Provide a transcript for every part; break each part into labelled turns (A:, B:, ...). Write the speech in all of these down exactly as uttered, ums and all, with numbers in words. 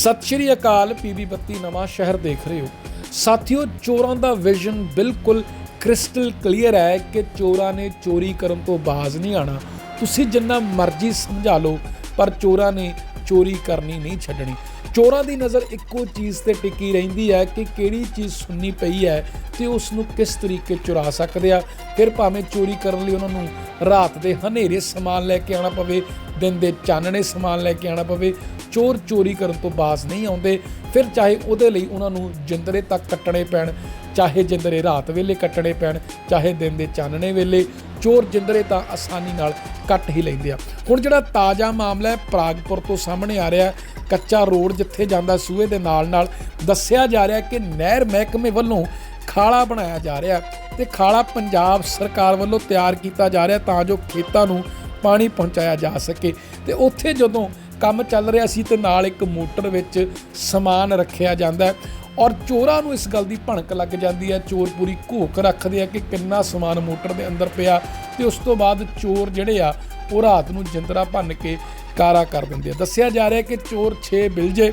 A: ਸਤਿ ਸ਼੍ਰੀ ਅਕਾਲ। ਪੀਬੀ ਬੱਤੀ ਨਵਾਂ ਸ਼ਹਿਰ ਦੇਖ ਰਹੇ ਹੋ ਸਾਥੀਓ। ਚੋਰਾਂ ਦਾ ਵਿਜ਼ਨ ਬਿਲਕੁਲ ਕ੍ਰਿਸਟਲ ਕਲੀਅਰ ਹੈ ਕਿ ਚੋਰਾਂ ਨੇ ਚੋਰੀ ਕਰਨ ਤੋਂ ਬਾਜ਼ ਨਹੀਂ ਆਣਾ। ਤੁਸੀਂ ਜਿੰਨਾ ਮਰਜ਼ੀ ਸਮਝਾ ਲਓ ਪਰ ਚੋਰਾਂ ਨੇ ਚੋਰੀ ਕਰਨੀ ਨਹੀਂ ਛੱਡਣੀ। ਚੋਰਾਂ ਦੀ ਨਜ਼ਰ ਇੱਕੋ ਚੀਜ਼ ਤੇ ਟਿਕੀ ਰਹਿੰਦੀ ਹੈ ਕਿ ਕਿਹੜੀ ਚੀਜ਼ ਸੁੰਨੀ ਪਈ ਹੈ ਤੇ ਉਸ ਨੂੰ ਕਿਸ ਤਰੀਕੇ ਚੁਰਾ ਸਕਦੇ ਆ। ਫਿਰ ਭਾਵੇਂ ਚੋਰੀ ਕਰਨ ਲਈ ਉਹਨਾਂ ਨੂੰ ਰਾਤ ਦੇ ਹਨੇਰੇ ਸਮਾਨ ਲੈ ਕੇ ਆਉਣਾ ਪਵੇ, ਦਿਨ ਦੇ ਚਾਨਣੇ ਸਮਾਨ ਲੈ ਕੇ ਆਉਣਾ ਪਵੇ, ਚੋਰ ਚੋਰੀ ਕਰਨ ਤੋਂ ਬਾਜ਼ ਨਹੀਂ ਆਉਂਦੇ। ਫਿਰ ਚਾਹੇ ਉਹਦੇ ਲਈ ਉਹਨਾਂ ਨੂੰ ਜਿੰਦਰੇ ਤੱਕ ਕੱਟਣੇ ਪੈਣ, ਚਾਹੇ ਜਿੰਦਰੇ ਰਾਤ ਵੇਲੇ ਕੱਟਣੇ ਪੈਣ, ਚਾਹੇ ਦਿਨ ਦੇ ਚਾਨਣੇ ਵੇਲੇ, ਚੋਰ ਜਿੰਦਰੇ ਤਾਂ ਆਸਾਨੀ ਨਾਲ ਕੱਟ ਹੀ ਲੈਂਦੇ ਆ। ਹੁਣ ਜਿਹੜਾ ਤਾਜ਼ਾ ਮਾਮਲਾ ਹੈ ਪ੍ਰਾਗਪੁਰ ਤੋਂ ਸਾਹਮਣੇ ਆ ਰਿਹਾ। ਕੱਚਾ ਰੋਡ ਜਿੱਥੇ ਜਾਂਦਾ ਸੂਏ ਦੇ ਨਾਲ ਨਾਲ ਦੱਸਿਆ ਜਾ ਰਿਹਾ ਕਿ ਨਹਿਰ ਮਹਿਕਮੇ ਵੱਲੋਂ ਖਾਲਾ ਬਣਾਇਆ ਜਾ ਰਿਹਾ ਤੇ ਖਾਲਾ ਪੰਜਾਬ ਸਰਕਾਰ ਵੱਲੋਂ ਤਿਆਰ ਕੀਤਾ ਜਾ ਰਿਹਾ ਤਾਂ ਜੋ ਖੇਤਾਂ ਨੂੰ ਪਾਣੀ ਪਹੁੰਚਾਇਆ ਜਾ ਸਕੇ। ਤੇ ਉੱਥੇ ਜਦੋਂ ਕੰਮ ਚੱਲ ਰਿਹਾ ਸੀ ਤੇ ਨਾਲ ਇੱਕ ਮੋਟਰ ਵਿੱਚ ਸਮਾਨ ਰੱਖਿਆ ਜਾਂਦਾ ਔਰ ਚੋਰਾਂ ਨੂੰ ਇਸ ਗੱਲ ਦੀ ਭਣਕ ਲੱਗ ਜਾਂਦੀ ਹੈ। ਚੋਰ ਪੂਰੀ ਘੋਖ ਰੱਖਦੇ ਆ ਕਿ ਕਿੰਨਾ ਸਮਾਨ ਮੋਟਰ ਦੇ ਅੰਦਰ ਪਿਆ ਤੇ ਉਸ ਤੋਂ ਬਾਅਦ ਚੋਰ ਜਿਹੜੇ ਆ ਉਹ ਰਾਤ ਨੂੰ ਜਿੰਦਰਾ ਭੰਨ ਕੇ ਕਾਰਾ ਕਰ ਦਿੰਦੇ ਆ। ਦੱਸਿਆ ਜਾ ਰਿਹਾ ਕਿ ਚੋਰ ਛੇ ਬਿਲਜੇ,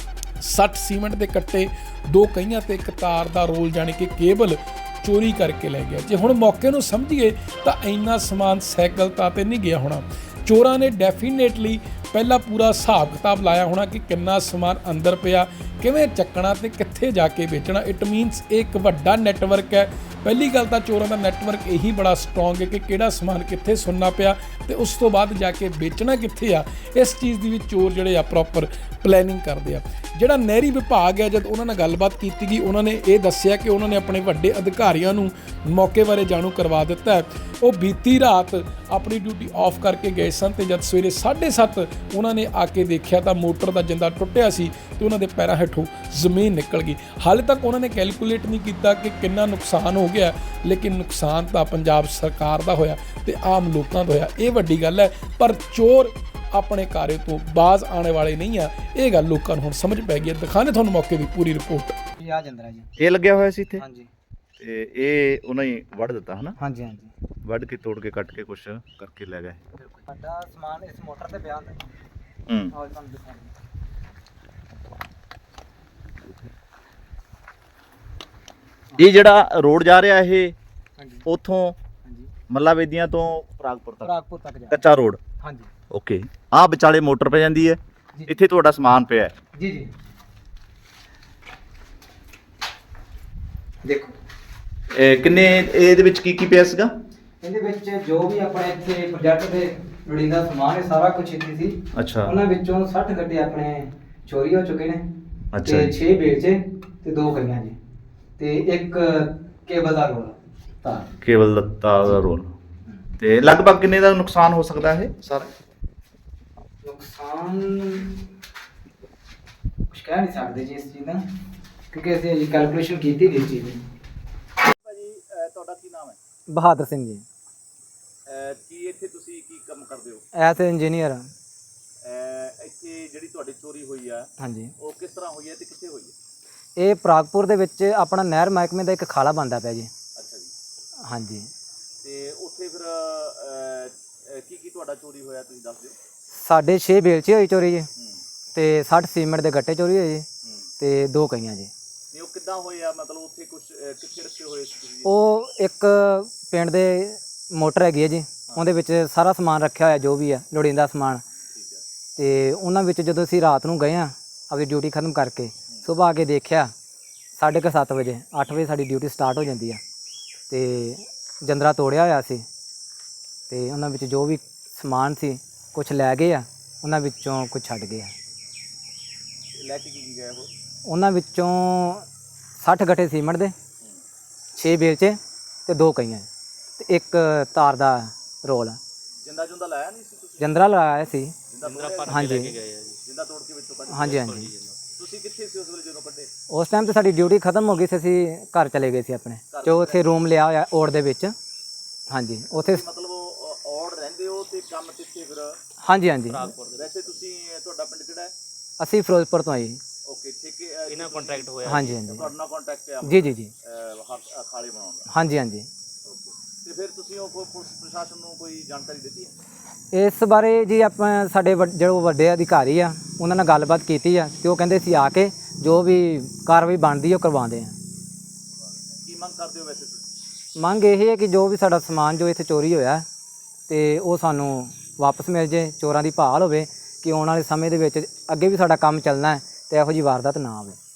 A: ਸੱਠ ਸੀਮੈਂਟ ਦੇ ਕੱਟੇ, ਦੋ ਕਹੀਆਂ ਤੇ ਇੱਕ ਤਾਰ ਦਾ ਰੋਲ ਜਾਣੀ ਕਿ ਕੇਬਲ ਚੋਰੀ ਕਰਕੇ ਲੈ ਗਿਆ। ਜੇ ਹੁਣ ਮੌਕੇ ਨੂੰ ਸਮਝੀਏ ਤਾਂ ਇੰਨਾ ਸਮਾਨ ਸਾਈਕਲ ਤਾਂ ਤੇ ਨਹੀਂ ਗਿਆ ਹੋਣਾ। ਚੋਰਾਂ ਨੇ ਡੈਫੀਨੇਟਲੀ ਪਹਿਲਾਂ ਪੂਰਾ ਹਿਸਾਬ ਕਿਤਾਬ ਲਾਇਆ ਹੋਣਾ ਕਿ ਕਿੰਨਾ ਸਮਾਨ ਅੰਦਰ ਪਿਆ, ਕਿਵੇਂ ਚੱਕਣਾ ਤੇ ਕਿੱਥੇ ਜਾ ਕੇ ਵੇਚਣਾ। ਇਟ ਮੀਨਸ ਇਹ ਇੱਕ ਵੱਡਾ ਨੈਟਵਰਕ ਹੈ। ਪਹਿਲੀ ਗੱਲ ਤਾਂ ਚੋਰਾਂ ਦਾ ਨੈਟਵਰਕ ਇਹੀ ਬੜਾ ਸਟਰੋਂਗ ਹੈ ਕਿ ਕਿਹੜਾ ਸਮਾਨ ਕਿੱਥੇ ਸੁਣਨਾ ਪਿਆ ਤੇ ਉਸ ਤੋਂ ਬਾਅਦ ਜਾ ਕੇ ਵੇਚਣਾ ਕਿੱਥੇ ਆ। ਇਸ ਚੀਜ਼ ਦੀ ਵੀ ਚੋਰ ਜਿਹੜੇ ਆ ਪ੍ਰੋਪਰ ਪਲੈਨਿੰਗ ਕਰਦੇ ਆ। ਜਿਹੜਾ ਨਹਿਰੀ ਵਿਭਾਗ ਹੈ, ਜਦ ਉਹਨਾਂ ਨਾਲ ਗੱਲਬਾਤ ਕੀਤੀ ਗਈ ਉਹਨਾਂ ਨੇ ਇਹ ਦੱਸਿਆ ਕਿ ਉਹਨਾਂ ਨੇ ਆਪਣੇ ਵੱਡੇ ਅਧਿਕਾਰੀਆਂ ਨੂੰ ਮੌਕੇ ਬਾਰੇ ਜਾਣੂ ਕਰਵਾ ਦਿੱਤਾ ਹੈ। ਉਹ ਬੀਤੀ ਰਾਤ ਆਪਣੀ ਡਿਊਟੀ ਆਫ ਕਰਕੇ ਗਏ ਸਨ ਤੇ ਜਦ ਸਵੇਰੇ ਸਾਢੇ ਸੱਤ ਉਹਨਾਂ ਨੇ ਆ ਕੇ ਦੇਖਿਆ ਤਾਂ ਮੋਟਰ ਦਾ ਜਿੰਦਾ ਟੁੱਟਿਆ ਸੀ ਤੇ ਉਹਨਾਂ ਦੇ ਪੈਰਾਂ ਹੇਠੋਂ ਜ਼ਮੀਨ ਨਿਕਲ ਗਈ। ਹਾਲੇ ਤੱਕ ਉਹਨਾਂ ਨੇ ਕੈਲਕੂਲੇਟ ਨਹੀਂ ਕੀਤਾ ਕਿ ਕਿੰਨਾ ਨੁਕਸਾਨ ਹੋ ਗਿਆ, ਲੇਕਿਨ ਨੁਕਸਾਨ ਤਾਂ ਪੰਜਾਬ ਸਰਕਾਰ ਦਾ ਹੋਇਆ ਤੇ ਆਮ ਲੋਕਾਂ ਦਾ ਹੋਇਆ। ਇਹ ਵੱਡੀ ਗੱਲ ਹੈ। ਪਰ ਚੋਰ ਆਪਣੇ ਕਾਰੇ ਤੋਂ ਬਾਜ਼ ਆਉਣੇ ਵਾਲੇ ਨਹੀਂ ਆ। ਇਹ ਗੱਲ ਲੋਕਾਂ ਨੂੰ ਹੁਣ ਸਮਝ ਪੈ ਗਈ ਹੈ। ਦਿਖਾਣੇ ਤੁਹਾਨੂੰ ਮੌਕੇ ਦੀ ਪੂਰੀ ਰਿਪੋਰਟ।
B: ਇਹ ਆ ਜੰਦਰਾ ਜੀ,
C: ਇਹ ਲੱਗਿਆ ਹੋਇਆ ਸੀ ਇੱਥੇ।
B: ਹਾਂਜੀ
C: ਤੇ ਇਹ ਉਹਨਾਂ ਹੀ ਵੱਢ ਦਿੱਤਾ ਹਨਾ।
B: ਹਾਂਜੀ ਹਾਂਜੀ
C: ਵੱਢ ਕੇ ਤੋੜ ਕੇ ਕੱਟ ਕੇ ਕੁਛ ਕਰਕੇ ਲੈ ਗਏ।
B: ਸਾਡਾ ਸਮਾਨ ਇਸ ਮੋਟਰ ਤੇ ਪਿਆ ਹੁੰਦਾ।
C: ਹੂੰ
B: ਆਹ ਤੁਹਾਨੂੰ ਦਿਖਾਉਂਦਾ।
C: ਇਹ ਜਿਹੜਾ ਰੋਡ ਜਾ ਰਿਹਾ ਇਹ
B: ਹਾਂਜੀ
C: ਉਥੋਂ
B: ਹਾਂਜੀ
C: ਮੱਲਾ ਵੇਦੀਆਂ ਤੋਂ ਪ੍ਰਾਗਪੁਰ ਤੱਕ
B: ਪ੍ਰਾਗਪੁਰ ਤੱਕ ਜਾ
C: ਕੱਚਾ ਰੋਡ।
B: ਹਾਂਜੀ
C: ਓਕੇ। ਆਹ ਵਿਚਾਲੇ ਮੋਟਰ ਪੈ ਜਾਂਦੀ ਹੈ,
B: ਜੀ
C: ਇੱਥੇ ਤੁਹਾਡਾ ਸਮਾਨ ਪਿਆ ਹੈ।
B: ਜੀ ਜੀ ਦੇਖੋ
C: ਇਹ ਕਿੰਨੇ ਇਹਦੇ ਵਿੱਚ ਕੀ ਕੀ ਪਿਆ ਸੀਗਾ?
B: ਇਹਦੇ ਵਿੱਚ ਜੋ ਵੀ ਆਪਣੇ ਇੱਥੇ ਪ੍ਰੋਜੈਕਟ ਦੇ ਲੋੜੀਂਦਾ ਸਮਾਨ ਹੈ ਸਾਰਾ ਕੁਝ ਇੱਥੇ ਸੀ।
C: ਅੱਛਾ
B: ਉਹਨਾਂ ਵਿੱਚੋਂ ਸੱਠ ਗੱਡੇ ਆਪਣੇ ਚੋਰੀ ਹੋ ਚੁੱਕੇ ਨੇ
C: ਅੱਛਾ
B: ਤੇ
C: ਜੀ।
B: ਛੇ ਵੇਚੇ ਤੇ ਦੋ ਕਈਆਂ ਜੀ ਤੇ ਇੱਕ ਕੇਬਲ ਦਾ ਰੋਲ ਤਾਂ
C: ਕੇਵਲ ਲੱਤਾ ਦਾ ਰੋਲ। ਤੇ ਲਗਭਗ ਕਿੰਨੇ ਦਾ ਨੁਕਸਾਨ ਹੋ ਸਕਦਾ ਇਹ ਸਾਰਾ?
B: ਨੁਕਸਾਨ ਕੁਝ ਕਹਿ ਨਹੀਂ ਸਕਦੇ ਜੀ ਇਸ ਚੀਜ਼ ਦਾ, ਕਿਉਂਕਿ ਅਸੀਂ ਅਜੇ ਕੈਲਕੂਲੇਸ਼ਨ ਕੀਤੀ ਨਹੀਂ ਚੀਜ਼ ਦੀ।
C: ਭਾਜੀ ਤੁਹਾਡਾ ਕੀ ਨਾਮ ਹੈ?
B: ਬਹਾਦਰ ਸਿੰਘ ਜੀ।
C: ਕੀ ਇੱਥੇ ਤੁਸੀਂ ਕੀ ਕੰਮ ਕਰਦੇ ਹੋ?
B: As engineer.
C: ਇੱਥੇ ਜਿਹੜੀ ਤੁਹਾਡੀ ਚੋਰੀ ਹੋਈ ਆ
B: ਹਾਂਜੀ,
C: ਉਹ ਕਿਸ ਤਰ੍ਹਾਂ ਹੋਈ ਹੈ ਤੇ ਕਿੱਥੇ ਹੋਈ ਹੈ?
B: ਇਹ ਪ੍ਰਾਗਪੁਰ ਦੇ ਵਿੱਚ ਆਪਣਾ ਨਹਿਰ ਮਹਿਕਮੇ ਦਾ ਇੱਕ ਖਾਲਾ ਬਣਦਾ ਪਿਆ ਜੀ।
C: ਅੱਛਾ ਜੀ।
B: ਹਾਂਜੀ,
C: ਤੇ ਉੱਥੇ ਫਿਰ ਕੀ ਕੀ ਤੁਹਾਡਾ ਚੋਰੀ ਹੋਇਆ ਤੁਸੀਂ ਦੱਸ ਦਿਓ।
B: ਸਾਡੇ ਛੇ ਬੇਲਚੇ ਹੋਈ ਚੋਰੀ ਜੀ ਤੇ ਸੱਠ ਸੀਮੈਂਟ ਦੇ ਗੱਟੇ ਚੋਰੀ ਹੋਏ ਜੀ ਤੇ ਦੋ ਕਈਆਂ ਜੀ।
C: ਨਹੀਂ ਉਹ ਕਿੱਦਾਂ ਹੋਇਆ, ਮਤਲਬ ਉੱਥੇ ਕੁਝ ਕਿੱਥੇ ਰੱਖੇ ਹੋਏ ਸੀ ਤੁਸੀਂ?
B: ਉਹ ਇੱਕ ਪਿੰਡ ਦੇ ਮੋਟਰ ਹੈਗੀ ਹੈ ਜੀ, ਉਹਦੇ ਵਿੱਚ ਸਾਰਾ ਸਮਾਨ ਰੱਖਿਆ ਹੋਇਆ ਜੋ ਵੀ ਹੈ ਲੋੜੀਂਦਾ ਸਮਾਨ।
C: ਠੀਕ ਹੈ।
B: ਤੇ ਉਹਨਾਂ ਵਿੱਚ ਜਦੋਂ ਅਸੀਂ ਰਾਤ ਨੂੰ ਗਏ ਹਾਂ ਆਪਣੀ ਡਿਊਟੀ ਖਤਮ ਕਰਕੇ, ਸੁਬਾਹ ਆ ਕੇ ਦੇਖਿਆ ਸਾਢੇ ਕੁ ਸੱਤ ਵਜੇ ਅੱਠ ਵਜੇ ਸਾਡੀ ਡਿਊਟੀ ਸਟਾਰਟ ਹੋ ਜਾਂਦੀ ਆ ਤੇ ਜੰਦਰਾ ਤੋੜਿਆ ਹੋਇਆ ਸੀ ਤੇ ਉਹਨਾਂ ਵਿੱਚ ਜੋ ਵੀ ਸਮਾਨ ਸੀ ਕੁਝ ਲੈ ਗਏ ਆ, ਉਹਨਾਂ ਵਿੱਚੋਂ ਕੁਝ ਛੱਡ ਗਏ ਆ।
C: ਲੈ ਕੇ ਕੀ ਕੀ ਗਏ ਉਹ?
B: ਉਹਨਾਂ ਵਿੱਚੋਂ ਸੱਠ ਗੱਠੇ ਸੀਮੈਂਟ ਦੇ, ਛੇ ਬੇਲਚੇ ਤੇ ਦੋ ਕਈਆਂ ਤੇ ਇੱਕ ਤਾਰ ਦਾ ਰੋਲ।
C: ਜਿੰਦਾ ਜੁੰਦਾ ਲਾਇਆ ਨਹੀਂ ਸੀ ਤੁਸੀਂ?
B: ਜੰਦਰਾ ਲਗਾਇਆ ਸੀ।
C: ਜਿੰਦਾ
B: ਹਾਂਜੀ
C: ਜਿੰਦਾ ਤੋੜ ਕੇ ਵਿੱਚੋਂ ਕੱਢ?
B: ਹਾਂਜੀ ਹਾਂਜੀ।
C: ਤੁਸੀਂ ਕਿੱਥੇ ਸੀ ਉਸ ਵੇਲੇ ਜਦੋਂ ਕੱਢੇ?
B: ਉਸ ਟਾਈਮ ਤੇ ਸਾਡੀ ਡਿਊਟੀ ਖਤਮ ਹੋ ਗਈ ਸੀ, ਅਸੀਂ ਘਰ ਚਲੇ ਗਏ ਸੀ ਆਪਣੇ, ਜੋ ਉੱਥੇ ਰੂਮ ਲਿਆ ਹੋਇਆ ਔੜ ਦੇ ਵਿੱਚ। ਹਾਂਜੀ ਉੱਥੇ
C: ਮਤਲਬ ਔੜ ਰਹਿੰਦੇ ਹੋ ਤੇ ਕੰਮ ਕਿੱਥੇ ਫਿਰ?
B: ਹਾਂਜੀ ਹਾਂਜੀ।
C: ਵੈਸੇ ਤੁਸੀਂ ਤੁਹਾਡਾ ਪਿੰਡ ਕਿਹੜਾ ਹੈ?
B: ਅਸੀਂ ਫਿਰੋਜ਼ਪੁਰ ਤੋਂ ਆਏ ਜੀ।
C: ਓਕੇ ਠੀਕ ਹੈ। ਇਹਨਾਂ ਕੰਟਰੈਕਟ ਹੋਇਆ?
B: ਹਾਂਜੀ ਹਾਂਜੀ।
C: ਤੁਹਾਡਾ ਨਾਲ ਕੰਟੈਕਟ ਹੈ
B: ਜੀ ਜੀ ਜੀ।
C: ਖਾਲੇ ਬਣਾਉਣ ਦਾ?
B: ਹਾਂਜੀ ਹਾਂਜੀ।
C: ਓਕੇ। ਤੇ ਫਿਰ ਤੁਸੀਂ ਉਹ ਕੋਈ ਪੁਲਿਸ ਪ੍ਰਸ਼ਾਸਨ ਨੂੰ ਕੋਈ ਜਾਣਕਾਰੀ ਦਿੱਤੀ ਹੈ?
B: ਇਸ ਬਾਰੇ ਜੀ ਆਪਾਂ ਸਾਡੇ ਵੱਡ- ਜਿਹੜੇ ਵੱਡੇ ਅਧਿਕਾਰੀ ਆ ਉਹਨਾਂ ਨਾਲ ਗੱਲਬਾਤ ਕੀਤੀ ਆ ਤੇ ਉਹ ਕਹਿੰਦੇ ਸੀ ਆ ਕੇ ਜੋ ਵੀ ਕਾਰਵਾਈ ਬਣਦੀ ਉਹ ਕਰਵਾਉਂਦੇ ਆ।
C: ਕੀ ਮੰਗ ਕਰਦੇ ਹੋ ਵੈਸੇ ਤੁਸੀਂ?
B: ਮੰਗ ਇਹ ਹੈ ਕਿ ਜੋ ਵੀ ਸਾਡਾ ਸਮਾਨ ਜੋ ਇੱਥੇ ਚੋਰੀ ਹੋਇਆ ਤੇ ਉਹ ਸਾਨੂੰ ਵਾਪਸ ਮਿਲ ਜੇ, ਚੋਰਾਂ ਦੀ ਭਾਲ ਹੋਵੇ ਕਿ ਆਉਣ ਵਾਲੇ ਸਮੇਂ ਦੇ ਵਿੱਚ ਅੱਗੇ ਵੀ ਸਾਡਾ ਕੰਮ ਚੱਲਣਾ ਹੈ ਤੇ ਇਹੋ ਜਿਹੀ ਵਾਰਦਾਤ ਨਾ ਆਵੇ।